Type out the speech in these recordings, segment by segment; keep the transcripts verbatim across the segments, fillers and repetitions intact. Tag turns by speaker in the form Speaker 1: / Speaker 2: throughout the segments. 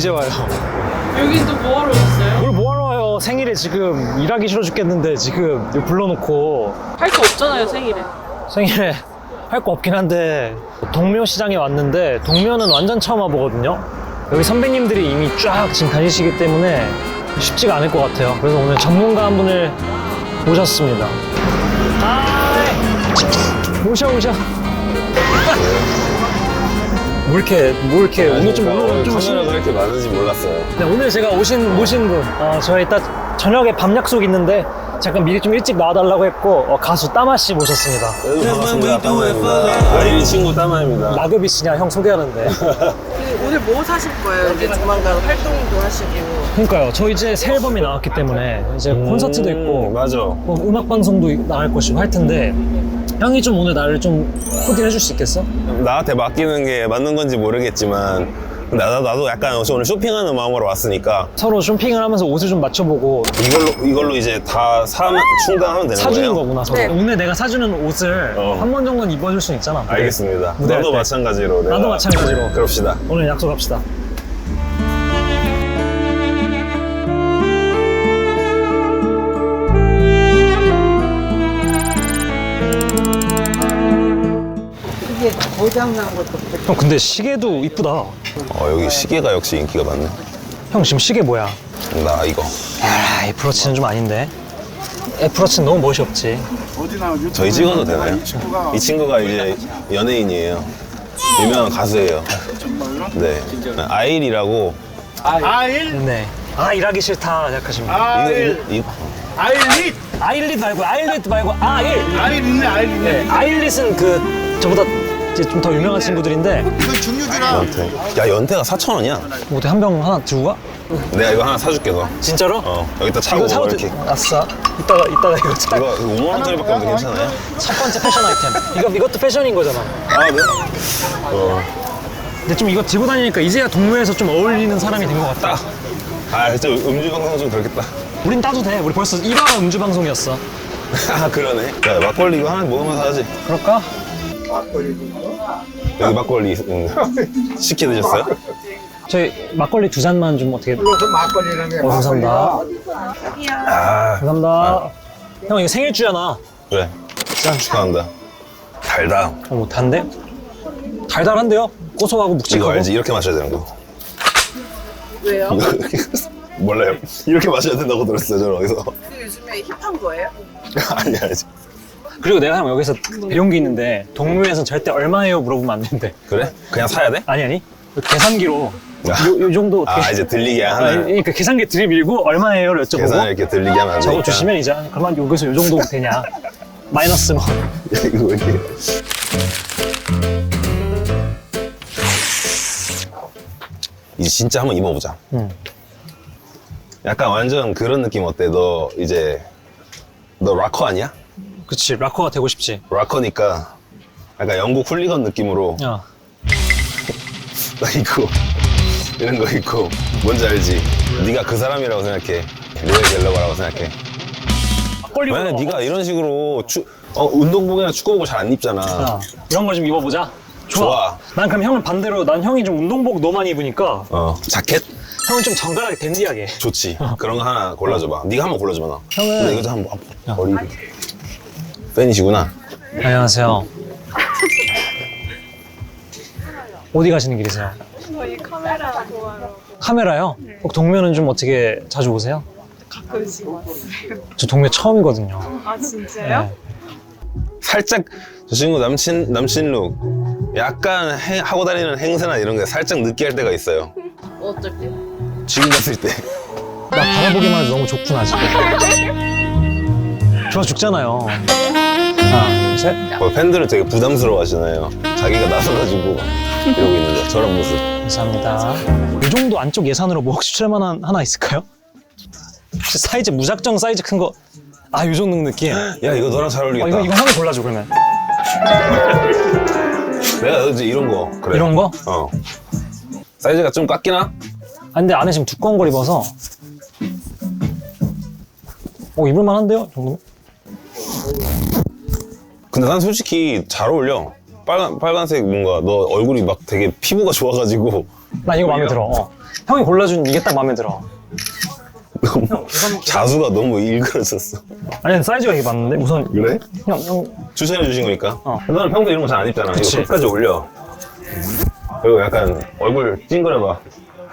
Speaker 1: 이제 와요.
Speaker 2: 여기 또 뭐하러 오셨어요?
Speaker 1: 뭘 뭐하러 와요. 생일에 지금 일하기 싫어 죽겠는데 지금 여기 불러놓고.
Speaker 2: 할 거 없잖아요, 생일에.
Speaker 1: 생일에 할 거 없긴 한데 동묘시장에 왔는데 동묘는 완전 처음 와보거든요. 여기 선배님들이 이미 쫙 지금 다니시기 때문에 쉽지가 않을 것 같아요. 그래서 오늘 전문가 한 분을 모셨습니다. 아이, 오셔 오셔. 뭐 이렇게 뭐 이렇게 오늘 좀 오늘 좀
Speaker 3: 카메라가 이렇게 많은지 몰랐어요.
Speaker 1: 네, 오늘 제가 오신 모신 분, 어, 저희 이따 저녁에 밤 약속 있는데 잠깐 미리 좀 일찍 나와달라고 했고 어, 가수 따마 씨 모셨습니다.
Speaker 3: 네, 반갑습니다. 따마입니다. 아이린 친구 따마입니다.
Speaker 1: 라그비 씨냐 형 소개하는데.
Speaker 4: 오늘 뭐 사실 거예요? 이제 조만간 활동도 하시고.
Speaker 1: 그러니까요. 저 이제 새 앨범이 나왔기 때문에 이제 콘서트도 있고
Speaker 3: 맞아.
Speaker 1: 뭐 음악 방송도 나갈 것이고 할 텐데 형이 좀 오늘 나를 좀 코디를 해줄 수 있겠어?
Speaker 3: 나한테 맡기는 게 맞는 건지 모르겠지만 나도, 나도 약간 오늘 쇼핑하는 마음으로 왔으니까
Speaker 1: 서로 쇼핑을 하면서 옷을 좀 맞춰보고
Speaker 3: 이걸로 이걸로 이제 다 사면 충당하면 되는
Speaker 1: 사주는
Speaker 3: 거예요?
Speaker 1: 거구나. 서로.
Speaker 4: 네.
Speaker 1: 오늘 내가 사주는 옷을
Speaker 3: 어.
Speaker 1: 한 번 정도는 입어줄 수 있잖아. 무대.
Speaker 3: 알겠습니다.
Speaker 1: 무대할
Speaker 3: 너도
Speaker 1: 때.
Speaker 3: 마찬가지로. 내가.
Speaker 1: 나도 마찬가지로.
Speaker 3: 그럽시다.
Speaker 1: 오늘 약속합시다.
Speaker 4: 이게 고장난 것도
Speaker 1: 형 근데 시계도 이쁘다.
Speaker 3: 어, 여기 시계가 역시 인기가 많네.
Speaker 1: 형 지금 시계 뭐야?
Speaker 3: 나 이거.
Speaker 1: 야, 애플워치는 좀 아닌데. 애플워치는 너무 멋이 없지.
Speaker 3: 저희 찍어도 되나요? 이 친구가 이제 연예인이에요. 유명한 가수예요. 네. 아일이라고.
Speaker 1: 네. 아 일하기 싫다 생각하시면.
Speaker 3: 아일. 이거, 이거,
Speaker 5: 아일릿!
Speaker 1: 아일릿 말고 아일릿 말고 아일.
Speaker 5: 아일 있네, 아일 있네.
Speaker 1: 네. 아일릿은 그 저보다 이제 좀 더 유명한 친구들인데
Speaker 5: 이거 중류주라.
Speaker 3: 연태. 야, 연태가 사천 원이야.
Speaker 1: 뭐 어떻게 한 병 하나 들고 가?
Speaker 3: 내가 이거 하나 사줄게, 너.
Speaker 1: 진짜로?
Speaker 3: 어, 여기다 차고
Speaker 1: 이거 사도
Speaker 3: 이렇게.
Speaker 1: 돼. 아싸. 이따가 이따가 이거 차.
Speaker 3: 이거 오만 원짜리밖에 없는데 괜찮아요?
Speaker 1: 첫 번째 패션 아이템. 이거 이것도 패션인 거잖아.
Speaker 3: 아, 네. 어,
Speaker 1: 근데 좀 이거 들고 다니니까 이제야 동묘에서 좀 어울리는 사람이 된 것 같다.
Speaker 3: 딱. 아, 진짜 음주 방송 좀 그렇겠다.
Speaker 1: 우린 따도 돼. 우리 벌써 일 화가 음주 방송이었어.
Speaker 3: 아, 그러네. 야, 막걸리 이거 하나 먹으면서 하지.
Speaker 1: 그럴까?
Speaker 3: 여기 막걸리 음. 시켜 드셨어요?
Speaker 1: 저희 막걸리 두 잔만 좀 어떻게.
Speaker 5: 불러서 막걸리라는
Speaker 1: 어, 감사합니다.
Speaker 3: 아,
Speaker 1: 감사합니다. 형 이거 생일주잖아.
Speaker 3: 그래. 짠 축하한다. 달다.
Speaker 1: 어, 뭐 단데? 달달한데요? 고소하고
Speaker 3: 이거
Speaker 1: 묵직하고.
Speaker 3: 알지? 이렇게 마셔야 되는 거.
Speaker 4: 왜요?
Speaker 3: 몰라요. 이렇게 마셔야 된다고 들었어요, 저는 어디서.
Speaker 4: 근데 요즘에 힙한 거예요?
Speaker 3: 아니, 아니지.
Speaker 1: 그리고 내가 형 여기서 배운 게 있는데 동묘에서 절대 얼마예요 물어보면 안 된대.
Speaker 3: 그래? 그냥 사야 돼?
Speaker 1: 아니 아니. 계산기로 요,
Speaker 3: 아.
Speaker 1: 요 정도 어떻게.
Speaker 3: 아, 이제 들리게 하나.
Speaker 1: 그러니까 계산기 들이밀고 얼마예요를 여쭤보고
Speaker 3: 계산을 이렇게 들리게 하면 안 되니까.
Speaker 1: 적어주시면 이제 그러면 여기서 요 정도 되냐. 마이너스 뭐.
Speaker 3: 이거 이렇게. 이제 진짜 한번 입어보자.
Speaker 1: 응.
Speaker 3: 약간 완전 그런 느낌 어때? 너 이제 너 락커 아니야?
Speaker 1: 그치 락커가 되고 싶지.
Speaker 3: 락커니까 약간 영국 훌리건 느낌으로
Speaker 1: 야.
Speaker 3: 나 입고 이런 거 입고 뭔지 알지? 네가 그 사람이라고 생각해. 로에 갤러거라고 생각해.
Speaker 1: 막걸리
Speaker 3: 만약에
Speaker 1: 먹어.
Speaker 3: 네가 이런 식으로 추, 어, 운동복이나 축구복을 잘 안 입잖아.
Speaker 1: 야, 이런 거 좀 입어보자. 좋아.
Speaker 3: 좋아.
Speaker 1: 난 그럼 형은 반대로 난 형이 좀 운동복 너무 많이 입으니까
Speaker 3: 어, 자켓?
Speaker 1: 형은 좀 정갈하게 댄디하게.
Speaker 3: 좋지. 그런 거 하나 골라줘봐. 네가 한번 골라줘봐, 나.
Speaker 1: 형은-
Speaker 3: 근데 이거 좀 한번 아, 머리. 팬이시구나.
Speaker 1: 안녕하세요. 어디 가시는 길이세요?
Speaker 6: 저희 카메라 보아요.
Speaker 1: 카메라요? 혹 동묘는 좀 어떻게 자주 오세요?
Speaker 6: 가끔씩 왔어요.
Speaker 1: 저 동묘 처음이거든요.
Speaker 6: 아 진짜요?
Speaker 1: 네.
Speaker 3: 살짝 저 친구 남친 남친 룩 약간 해- 하고 다니는 행세나 이런 게 살짝 느끼할 때가 있어요.
Speaker 4: 어쩔 때?
Speaker 3: 지금 봤을 때.
Speaker 1: 나 바라보기만 해도 너무 좋구나 지금. 좋아 죽잖아요. 하나, 둘, 셋.
Speaker 3: 뭐 팬들은 되게 부담스러워 하시나요? 자기가 나서가지고 이러고 있는데 저런 모습.
Speaker 1: 감사합니다. 이 정도 안쪽 예산으로 뭐 혹시 추천할 만한 하나 있을까요? 혹시 사이즈 무작정 사이즈 큰 거. 아, 요 정도 느낌. 어,
Speaker 3: 야, 이거 너랑 잘 어울리겠다.
Speaker 1: 이거 이거 형이 골라줘 그러면.
Speaker 3: 내가 이제 이런 거 그래.
Speaker 1: 이런 거?
Speaker 3: 어. 사이즈가 좀 깎이나?
Speaker 1: 아 근데 안에 지금 두꺼운 걸 입어서. 어 입을 만한데요? 정도?
Speaker 3: 근데 난 솔직히 잘 어울려. 빨간 빨간색 뭔가 너 얼굴이 막 되게 피부가 좋아가지고
Speaker 1: 나 이거 마음에 들어. 어. 형이 골라준 이게 딱 마음에 들어.
Speaker 3: 너무 자수가 너무 일그러졌어.
Speaker 1: 아니 사이즈가 이게 맞는데 우선
Speaker 3: 그래?
Speaker 1: 형 형.
Speaker 3: 추천해 주신 거니까.
Speaker 1: 어.
Speaker 3: 너는 평소에 이런 거 잘 안 입잖아.
Speaker 1: 그치.
Speaker 3: 이거 끝까지 올려. 그리고 약간 얼굴 찡그려봐. 어.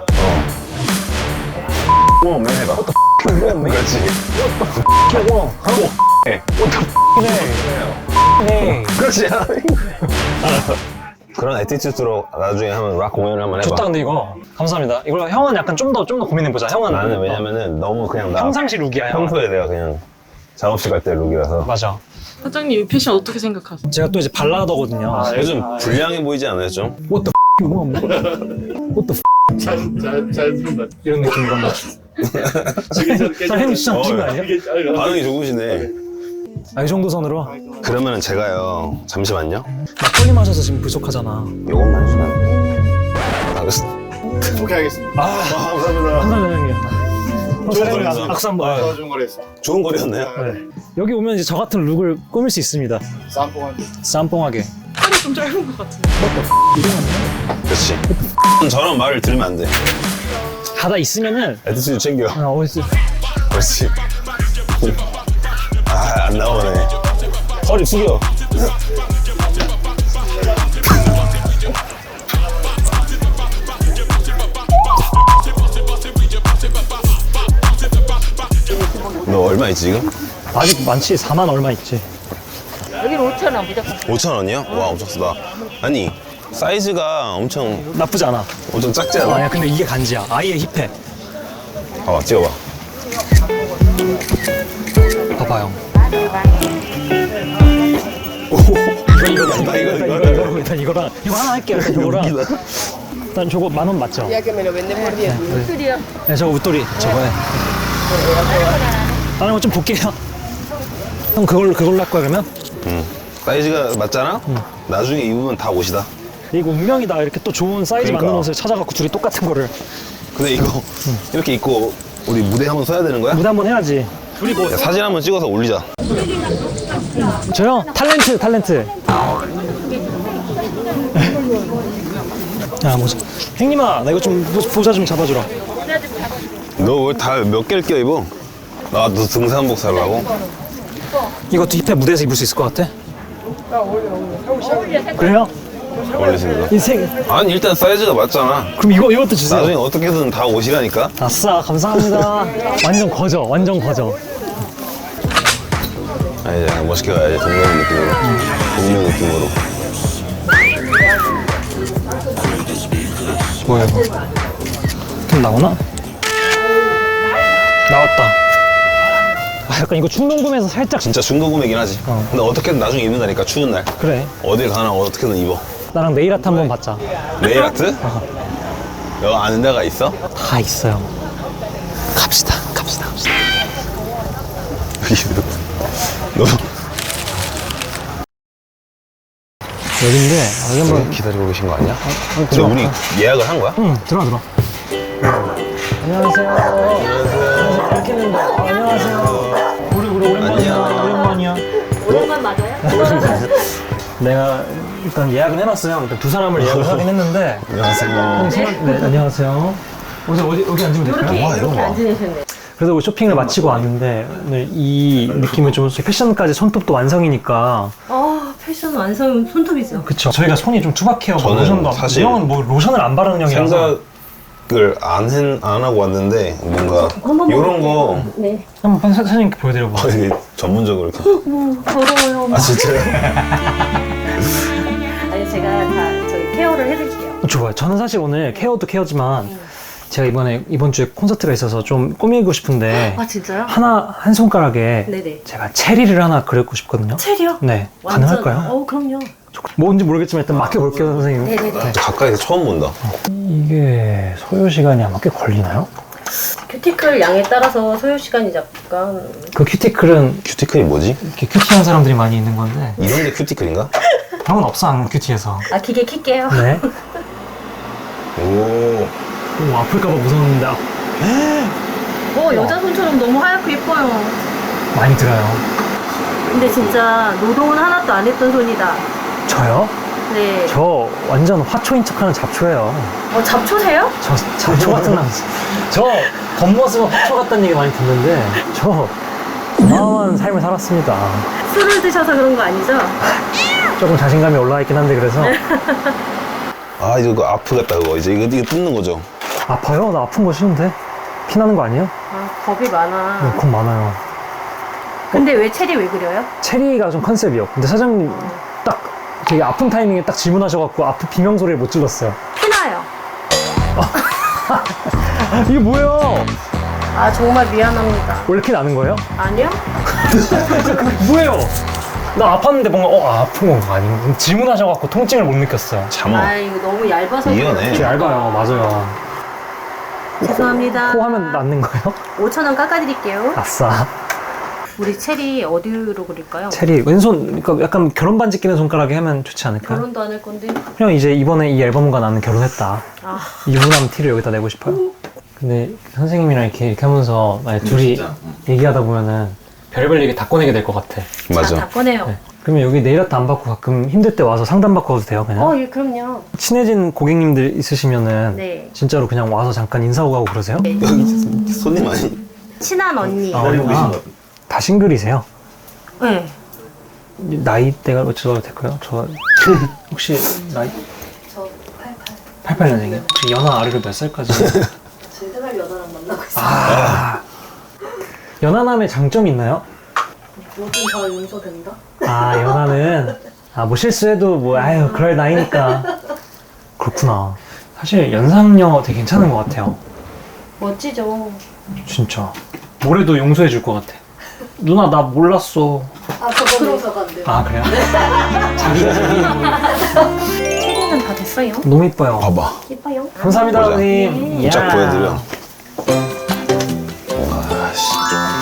Speaker 3: 어, 맨 해봐. 그렇지.
Speaker 1: 어.
Speaker 3: 하고. 해.
Speaker 1: 네.
Speaker 3: 그렇지. 그런 에티튜드로 나중에 한번 락 공연을 한번 해봐.
Speaker 1: 좋다 근데 이거 감사합니다. 이걸 형은 약간 좀 더 좀 더 고민해 보자. 형은
Speaker 3: 나는 왜냐면은 너무 그냥 나
Speaker 1: 평상시 룩이야. 형.
Speaker 3: 평소에 내가 그냥 작업실 갈 때 룩이라서.
Speaker 1: 맞아.
Speaker 2: 사장님 이 패션 어떻게 생각하세요?
Speaker 1: 제가 또 이제 발라더거든요.
Speaker 3: 아, 요즘 불량해 보이지 않아요 좀?
Speaker 1: What the f you want? What the f
Speaker 5: 잘잘 쓴다.
Speaker 1: 이런 느낌으로 한번. 사장님 진짜 미친 거 아니야?
Speaker 3: 반응이 좋으시네.
Speaker 1: 아, 이 정도 선으로?
Speaker 3: 그러면은 제가요 잠시만요.
Speaker 1: 막걸리 마셔서 지금 부족하잖아.
Speaker 3: 요것만 해주면 안 돼요? 아, 그래서
Speaker 5: 오케이 하겠습니다.
Speaker 3: 아, 감사합니다.
Speaker 1: 감사합니다 형님.
Speaker 3: 좋은
Speaker 1: 사장님
Speaker 3: 거리죠.
Speaker 1: 악수 한번. 네.
Speaker 5: 도와준 거랬어.
Speaker 3: 좋은 거리였네요.
Speaker 1: 네. 여기 오면 이제 저 같은 룩을 꾸밀 수 있습니다.
Speaker 5: 쌈뽕한데.
Speaker 1: 쌈뽕하게.
Speaker 2: 팔이 좀 짧은 것 같은데.
Speaker 3: 그렇지. 저런 말을 들으면 안 돼.
Speaker 1: 가다 있으면은
Speaker 3: 에티튜드 챙겨.
Speaker 1: 아 어디
Speaker 3: 그렇지. 아, 안 나오네. 허리 숙여. 너 얼마 있지 지금?
Speaker 1: 아직 많지 사만 얼마 있지.
Speaker 7: 여기는 오천 원 무조건.
Speaker 3: 오천 원이요? 와, 엄청 쓰다. 아니, 사이즈가 엄청
Speaker 1: 나쁘지 않아.
Speaker 3: 엄청 작지 않아?
Speaker 1: 아니야 근데 이게 간지야. 아예 힙해.
Speaker 3: 봐봐, 찍어봐.
Speaker 1: 봐봐 형.
Speaker 3: 이거 이거 이거
Speaker 1: 일단 이거 이거 일단 이거랑 이거 하나 할게요. 일단 저거랑 일단 저거 만 원 맞죠?
Speaker 4: Ya que me lo venden por diez mil.
Speaker 7: 술이요.
Speaker 1: 네 저거 웃돌이 저거에. 다른 거 좀 볼게요. 형 그걸로 그걸로 할 거야 그러면?
Speaker 3: 응. 사이즈가 맞잖아? 나중에 입으면 다 옷이다.
Speaker 1: 이거 운명이다. 이렇게 또 좋은 사이즈
Speaker 3: 그러니까.
Speaker 1: 맞는 옷을 찾아갖고 둘이 똑같은 거를
Speaker 3: 근데 이거 이렇게 입고 우리 무대 한번 서야 되는 거야?
Speaker 1: 무대 한번 해야지. 둘이 뭐
Speaker 3: 야, 사진 한번 찍어서 올리자.
Speaker 1: 저요? 탤런트 탤런트. 야 뭐지? 형님아 나 이거 좀 모- 보자 좀 잡아주라.
Speaker 3: 너 왜 다 몇 개를 껴 입어? 나 너 등산복 살라고?
Speaker 1: 이것도 힙합 무대에서 입을 수 있을 것 같아? 그래요?
Speaker 3: 올리십니다.
Speaker 1: 인생.
Speaker 3: 아니 일단 사이즈가 맞잖아.
Speaker 1: 그럼 이거 이것도 주세요.
Speaker 3: 나중에 어떻게든 다 옷이라니까.
Speaker 1: 아싸 감사합니다. 완전 거저 완전 거저.
Speaker 3: 아 이제 그냥 멋있게 가야지. 동료 느낌으로. 동료 느낌으로.
Speaker 1: 뭐야 이거? 좀 나오나? 나왔다. 아 약간 이거 충동구매에서 살짝
Speaker 3: 진짜 중고구매긴 하지.
Speaker 1: 어.
Speaker 3: 근데 어떻게든 나중에 입는다니까 추운 날.
Speaker 1: 그래.
Speaker 3: 어딜 가나 어떻게든 입어.
Speaker 1: 나랑 네일 아트 한번 받자.
Speaker 3: 네일 아트? 너 아는 데가 있어?
Speaker 1: 다 있어요. 갑시다 갑시다 갑시다.
Speaker 3: 너
Speaker 1: 여긴데 여기 한번.
Speaker 3: 기다리고 계신 거 아니야? 근데
Speaker 1: 들어와.
Speaker 3: 우리 예약을 한 거야?
Speaker 1: 응 들어와 들어와. 안녕하세요. 안녕하세요. 이렇게 했는데 안녕하세요. 우리 우리 오랜만이야.
Speaker 3: 안녕.
Speaker 1: 오랜만이야.
Speaker 7: 오랜만 맞아요?
Speaker 1: 내가 일단 예약은 해놨어요. 일단 두 사람을 예약을 하긴 했는데.
Speaker 3: 안녕하세요.
Speaker 1: 네, 안녕하세요. 어디 어디 여기 앉으면 될까요?
Speaker 3: 와 이거 봐.
Speaker 7: 앉으셨네.
Speaker 1: 그래도 오늘 쇼핑을 마치고 왔는데 오늘 이 느낌을 좀 패션까지 손톱도 완성이니까.
Speaker 7: 아 패션 완성 손톱이죠.
Speaker 1: 그쵸. 저희가 손이 좀 투박해요. 뭐
Speaker 3: 저는
Speaker 1: 로션도 안-
Speaker 3: 사실
Speaker 1: 이 형은 뭐 로션을 안 바르는 형이라서.
Speaker 3: 생각을 안, 한, 안 하고 왔는데 뭔가
Speaker 7: 한번
Speaker 3: 이런 거
Speaker 7: 네.
Speaker 1: 한번 사- 사장님께 보여드려봐.
Speaker 3: 어, 이게 전문적으로 이렇게
Speaker 7: 뭐 더러워요.
Speaker 3: 아 진짜요?
Speaker 7: 아니 제가 다 저희 케어를 해드릴게요.
Speaker 1: 좋아요. 저는 사실 오늘 케어도 케어지만 제가 이번에 이번 주에 콘서트가 있어서 좀 꾸미고 싶은데
Speaker 7: 아 진짜요?
Speaker 1: 하나 한 손가락에
Speaker 7: 네네.
Speaker 1: 제가 체리를 하나 그리고 싶거든요.
Speaker 7: 체리요?
Speaker 1: 네,
Speaker 7: 완전-
Speaker 1: 가능할까요?
Speaker 7: 어 그럼요.
Speaker 1: 뭔지 모르겠지만 일단 맡겨볼게요, 선생님.
Speaker 7: 네네네.
Speaker 3: 가까이서 처음 본다.
Speaker 1: 이게 소요 시간이 아마 꽤 걸리나요?
Speaker 7: 큐티클 양에 따라서 소요 시간이 약간
Speaker 1: 그 큐티클은
Speaker 3: 큐티클이 뭐지?
Speaker 1: 이렇게 큐티한 사람들이 많이 있는 건데
Speaker 3: 이런 게 큐티클인가?
Speaker 1: 형은 없어 안 큐티해서.
Speaker 7: 아 기계 킬게요.
Speaker 1: 네.
Speaker 3: 오
Speaker 1: 오 아플까봐 무서웠는데 아,
Speaker 7: 어 여자 손처럼 너무 하얗고 예뻐요.
Speaker 1: 많이 들어요.
Speaker 7: 근데 진짜 노동은 하나도 안 했던 손이다.
Speaker 1: 저요?
Speaker 7: 네.
Speaker 1: 저 완전 화초인 척하는 잡초예요.
Speaker 7: 어, 잡초세요?
Speaker 1: 저 잡초 같은 남자. 저 겉모습은 화초 같다는 얘기 많이 듣는데 저 어마어마한 삶을 살았습니다.
Speaker 7: 술을 드셔서 그런 거 아니죠?
Speaker 1: 조금 자신감이 올라와 있긴 한데 그래서
Speaker 3: 아 이거 아프겠다 그거 이제 이거 이거 뜯는 거죠.
Speaker 1: 아파요? 나 아픈 거 싫은데? 피 나는 거 아니에요?
Speaker 7: 아, 겁이 많아.
Speaker 1: 네, 겁 많아요.
Speaker 7: 근데 왜 체리 왜 그려요?
Speaker 1: 체리가 좀 컨셉이요. 근데 사장님 딱 되게 아픈 타이밍에 딱 질문하셔갖고 아프 비명 소리를 못 질렀어요.
Speaker 7: 피나요.
Speaker 1: 이게 뭐예요?
Speaker 7: 아, 정말 미안합니다.
Speaker 1: 원래 이렇게 나는 거예요?
Speaker 7: 아니요?
Speaker 1: 뭐예요? 나 아팠는데 뭔가 어 아, 아픈 건가 아닌가 질문하셔갖고 통증을 못 느꼈어요.
Speaker 3: 잠어.
Speaker 7: 아, 이거 너무 얇아서.
Speaker 3: 이거네.
Speaker 1: 되게 얇아요. 맞아요.
Speaker 7: 죄송합니다.
Speaker 1: 코 하면 낫는 거예요?
Speaker 7: 오천 원 깎아드릴게요.
Speaker 1: 아싸.
Speaker 7: 우리 체리 어디로 그릴까요?
Speaker 1: 체리 왼손 그러니까 약간 결혼 반지 끼는 손가락에 하면 좋지 않을까요?
Speaker 7: 결혼도 안 할 건데.
Speaker 1: 그냥 이제 이번에 이 앨범과 나는 결혼했다.
Speaker 7: 아,
Speaker 1: 유부남 티를 여기다 내고 싶어요. 근데 선생님이랑 이렇게, 이렇게 하면서 만약 둘이 얘기하다 보면은 별의별 얘기 다 꺼내게 될 것 같아.
Speaker 7: 자,
Speaker 3: 맞아.
Speaker 7: 다 꺼내요.
Speaker 1: 네. 그러면 여기 네일 아트 안 받고 가끔 힘들 때 와서 상담 받고 가도 돼요, 그냥?
Speaker 7: 어, 예, 그럼요.
Speaker 1: 친해진 고객님들 있으시면은
Speaker 7: 네.
Speaker 1: 진짜로 그냥 와서 잠깐 인사하고 가고 그러세요?
Speaker 3: 여기 손님 아니?
Speaker 7: 친한 언니.
Speaker 1: 아, 아, 다 싱글이세요?
Speaker 7: 네.
Speaker 1: 나이대가 어쩌도 될까요? 저 혹시 나이?
Speaker 7: 저 팔십팔.
Speaker 1: 팔십팔 년생이요? 혹시 연하 아래로 몇 살까지?
Speaker 7: 제생활 연하랑 만나고 있어요.
Speaker 1: 아 연하남의 장점이 있나요?
Speaker 7: 뭐든 다 용서된다?
Speaker 1: 아 연하는 아 뭐 실수해도 뭐 아유 그럴 나이니까 그렇구나. 사실 연상녀 되게 괜찮은 것 같아요.
Speaker 7: 멋지죠.
Speaker 1: 진짜 뭐래도 용서해 줄 것 같아. 누나 나 몰랐어.
Speaker 7: 아, 저거 용서가 안 돼요.
Speaker 1: 아 그래요? 자기가 자기
Speaker 7: 체리는 다 됐어요?
Speaker 1: 너무 이뻐요.
Speaker 3: 봐봐.
Speaker 7: 예뻐요.
Speaker 1: 감사합니다
Speaker 3: 보자.
Speaker 1: 선생님.
Speaker 3: 쫙
Speaker 1: 이야.
Speaker 3: 보여드려. 아씨.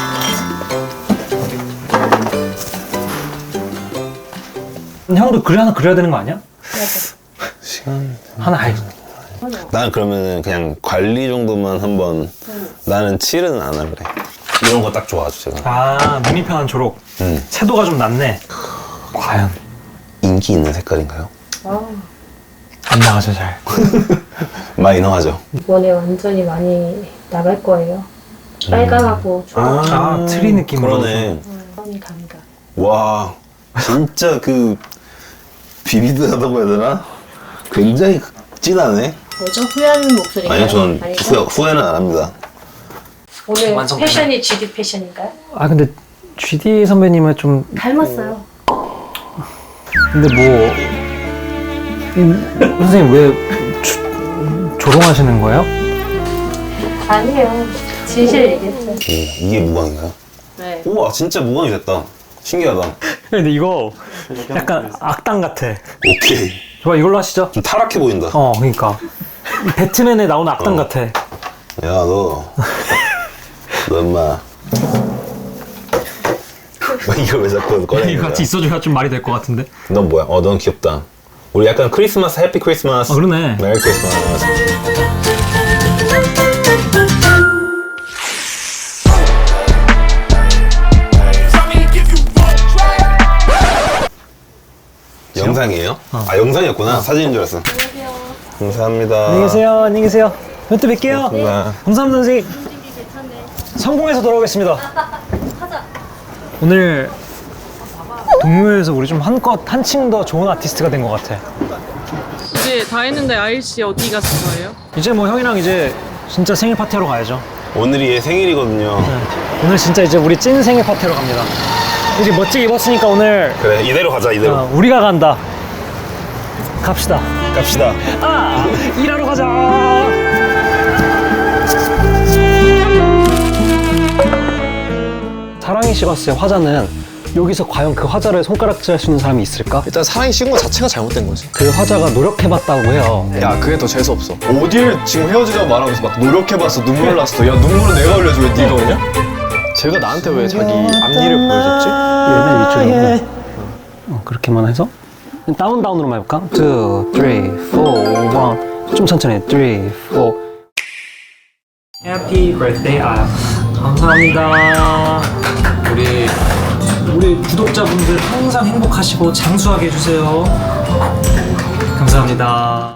Speaker 1: 형도 그래 하나 그려야 되는 거 아니야?
Speaker 3: 시간.
Speaker 1: 하나 알.
Speaker 3: 나는 그러면은 그냥 관리 정도만 한번. 나는 칠은 안 할래. 이런 거 딱 좋아하죠 제가.
Speaker 1: 아 눈이 편한 초록.
Speaker 3: 음.
Speaker 1: 채도가 좀 낮네. 과연
Speaker 3: 인기 있는 색깔인가요?
Speaker 1: 안 나가죠 잘.
Speaker 3: 마이너하죠.
Speaker 7: 이번에 완전히 많이 나갈 거예요. 빨강하고 초록.
Speaker 1: 아, 트리 느낌으로.
Speaker 3: 그러네.
Speaker 7: 음, 감각.
Speaker 3: 와, 진짜 그 비비드하다고 해야 되나? 굉장히 진하네.
Speaker 7: 뭐죠? 후회하는 목소리가요?
Speaker 3: 아니요, 저는
Speaker 7: 아니고?
Speaker 3: 후회, 후회는 안 합니다.
Speaker 7: 오늘
Speaker 1: 완성
Speaker 7: 패션이 지디 패션인가요?
Speaker 1: 아 근데 쥐디 선배님은 좀
Speaker 7: 닮았어요.
Speaker 1: 근데 뭐 이, 선생님 왜 조, 조롱하시는 거예요?
Speaker 7: 아니에요. 진실 얘기했어요.
Speaker 3: 음, 이게 무광인가요?
Speaker 7: 네.
Speaker 3: 우와, 진짜 무광이 됐다. 신기하다.
Speaker 1: 근데 이거 약간 악당 같아.
Speaker 3: 오케이.
Speaker 1: 좋아 이걸로 하시죠.
Speaker 3: 좀 타락해 보인다.
Speaker 1: 어 그러니까 이 배트맨에 나오는 악당
Speaker 3: 어.
Speaker 1: 같아.
Speaker 3: 야, 너. 너 인마. 이걸 왜 자꾸 꺼내는
Speaker 1: 이거
Speaker 3: 거야?
Speaker 1: 같이 있어줘야 좀 말이 될 것 같은데.
Speaker 3: 넌 뭐야? 어, 넌 귀엽다. 우리 약간 크리스마스, 해피 크리스마스.
Speaker 1: 아 그러네.
Speaker 3: 메리 크리스마스. 영상이에요? 아, 영상이었구나. 사진인 줄 알았어. 감사합니다.
Speaker 1: 안녕히 계세요. 안녕히 계세요. 또 뵐게요.
Speaker 3: 고맙습니다.
Speaker 1: 감사합니다 선생님. 성공해서 돌아오겠습니다. 오늘 동묘에서 우리 좀 한껏 한층 더 좋은 아티스트가 된 것 같아.
Speaker 2: 이제 다 했는데 아이씨 어디 갔을 거예요?
Speaker 1: 이제 뭐 형이랑 이제 진짜 생일 파티하러 가야죠.
Speaker 3: 오늘이 얘 생일이거든요.
Speaker 1: 네. 오늘 진짜 이제 우리 찐 생일 파티하러 갑니다. 이제 멋지게 입었으니까 오늘
Speaker 3: 그래, 이대로 가자, 이대로.
Speaker 1: 어, 우리가 간다. 갑시다.
Speaker 3: 갑시다.
Speaker 1: 아 일하러 가자. 사랑이 식었을 화자는 여기서 과연 그 화자를 손가락질할 수 있는 사람이 있을까?
Speaker 8: 일단 사랑이 식은 거 자체가 잘못된 거지.
Speaker 1: 그 화자가 노력해봤다고 해요.
Speaker 8: 야, 그게 더 재수 없어. 어딜 지금 헤어지자고 말하면서 막 노력해봤어, 눈물 났어. 야, 눈물은 내가 흘려줘, 왜 네가 오냐? 쟤가 나한테 왜 자기 앞니를 보여줬지?
Speaker 1: 얘는 위쪽이고 어, 그렇게만 해서 다운 다운으로만 해볼까? two, three, four, one 좀 천천히 three, four Happy birthday 아 감사합니다. 우리 우리 구독자분들 항상 행복하시고 장수하게 해주세요. 감사합니다.